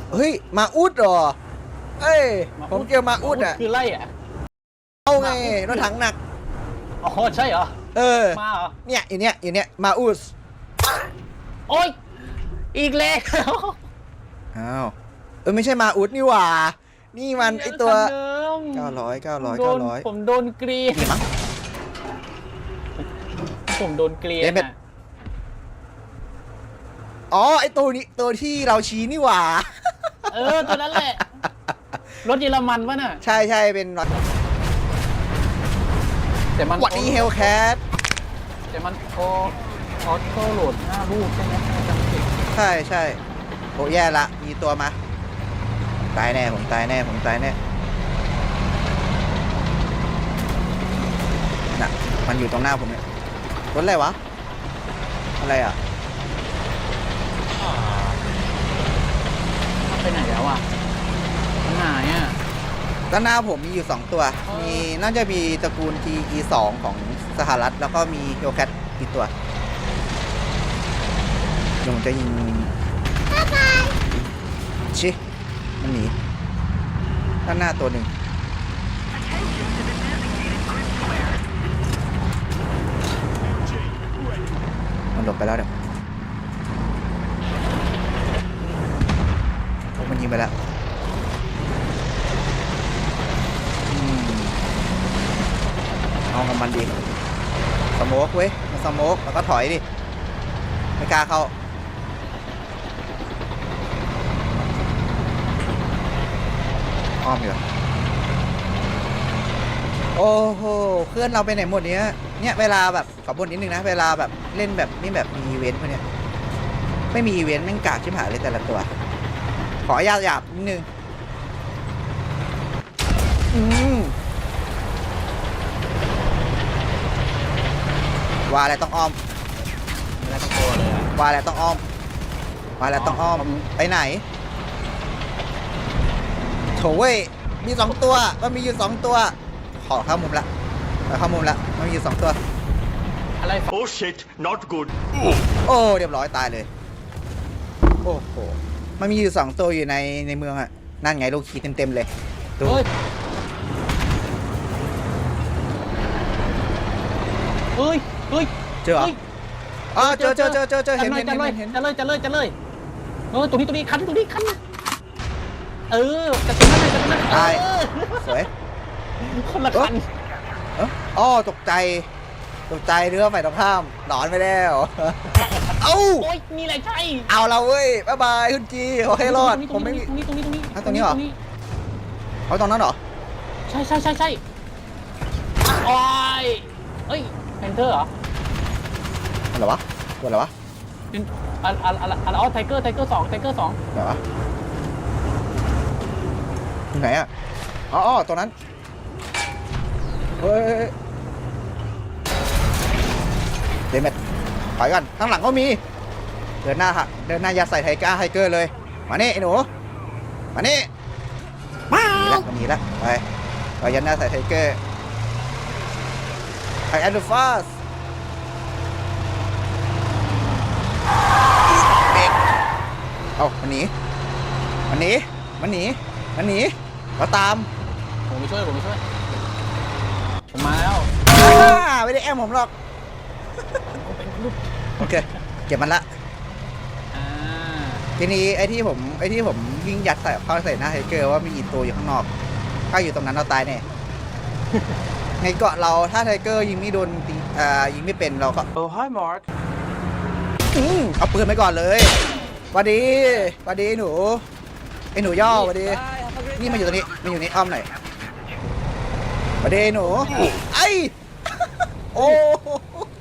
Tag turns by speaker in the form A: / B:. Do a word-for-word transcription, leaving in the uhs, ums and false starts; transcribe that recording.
A: เฮ้ยมาอุดเหรอเอ้ยผมเจอมาอุดอ่ะ
B: คือไล่อ่ะ
A: เอาไงรถถังหนัก
B: อ๋อใช่เหรอ
A: เออ
B: มาเหรอ
A: เนี่ยอยู่เนี้ยอยู่เนี้ยมาอุด
B: โอ้ยอีกแล้ว
A: อ้าวเออไม่ใช่มาอุดนี่หว่านี่มันไอตัวเก้าร้อยเก้าร้อยเก้าร้อย
B: ผมโดนกรีนผมโดนกรีน
A: อ๋อไอตัวนี้ตัวที่เราชี้นี่หว่า
B: เออตัวนั้นแหละรถเยอรมันวะน่ะ
A: ใช่ใช่เป็นรถ
B: แต่มัน
A: วัดนี้เฮลแคท
B: แต่มันโอออโต้โหลดห้าลูกใช่ไหมจำผิด
A: ใช่ใช่โอ้แย่ละมีตัวมาตายแน่ผมตายแน่ผมตายแน่น่ะมันอยู่ตรงหน้าผมเนี่ยรถอะไรวะอะไรอ่ะ
B: ไปไหนแล้วอ่ะมันหายอ่ะ
A: ด้านหน้าผมมีอยู่สองตัวมีน่าจะมีตระกูล ที อี สอง ของสหรัฐแล้วก็มีเฮลแคทอีกตัวเดี๋ยวผมจะยิงชิมันหนีด้านหน้าตัวหนึ่งมันหลบไปแล้วเดี๋ยวมันยิงไปแล้วเอาของมันดีสโมกเว้ยมาสโมกแล้วก็ถอยดิไม่กล้าเข้าอ้อมอยู่โอ้โหเพื่อนเราไปไหนหมดเนี้ยเนี่ยเวลาแบบขอบ่นนิดนึงนะเวลาแบบเล่นแบบนี่แบบมีอีเวนต์พวกเนี้ยไม่มีอีเวนต์แม่งกากชิบหายเลยแต่ละตัวขอหยาบหยาบนิดนึงอืมว่าอะไรต้องอ้อม
B: แล้วต้องโกเลยอ่ะ
A: ว่าอะไรต้องอ้อมว่าอะไรต้องอ้อมไปไหนโถเว้ยมีสองตัวมันมีอยู่สองตัวขอเข้ามุมละขอเข้ามุมละมันมีอยู่สองตัว
B: อะไร
C: Oh shit not good
A: โอ้เรียบร้อยตายเลยโอ้โหมันมีอยู่สองตัวอยู่ในในเมืองอ่ะนั่นไงลูกขี่เต็มๆเลยดู
B: เฮ้ยเฮ้ย
A: เจอเหรออ๋อเจอเจอเจอเจอเจอเห็นเห็นเห็นเห็น
B: จะเลยจะเลยจะเลยเออตรงนี้ตรงนี้คันตรงนี้คันเออจะตรงนั้นเลยจะตรงนั้น
A: ตายสวย
B: คนละคัน
A: อ๋อตกใจตกใจเรือไฟตรงข้ามหนอนไปแล้วเอ้า
B: โอ้ยมีอะไรใช่
A: เอาเราเว้ยบ๊ายบายคุณจีขอให้รอดผมไม่มี
B: ตรงนี้ตรงนี้ตรงนี้
A: ตรงนี้เหรอเอาตรงนั้นเหรอ
B: ใช่ใช่ใช่ใช่โอ้ยเฮ้ยแพนเทอร์เหรอ
A: อะไรวะตัวอะไรวะ
B: เป็นอะอะอะอะอ๋อไทเกอร์ไทเกอร์สองไทเกอร์สอง
A: อะไรวะที่ไหนอ่ะอ๋อตัวนั้นเฮ้ยเดมเมดถอยกันข้างหลังก็มีเดินหน้าฮะเดินหน้ายัดใส่ไทก้าไทเกอร์เลยมานี่ไอ้หนูมานี่มาแล้วมันหนีแล้วไปไปยัดหน้าใส่ไทเกอร์ไอแอนดูฟาสเด็กเอามันหนีมันหนีมันหนีมันหนีเราตาม
B: ผมไปช่วยผมไปช่วยผมมาแล้ว
A: ไม่ได้แอมผมหรอกโอเคเก็บมันละทีนี้ไอ้ที่ผมไอ้ที่ผมวิ่งยัดใส่เข้าใส่หน้าไทเกอร์ว่ามีอีกตัวอยู่ข้างนอกถ้าอยู่ตรงนั้นเราตายแน่ในเกาะเราถ้าไทเกอร์ยิงไม่โดนอ่ายิงไม่เป็นเราก็
C: โอ้ hi Mark
A: เอาปืนไปก่อนเลยสวัสดีสวัสดีหนูไอ้หนูย่อสวัสดีนี่มาอยู่ตรงนี้มาอยู่นี่อ้อมหน่อยสวัสดีหนูไอ้โอ้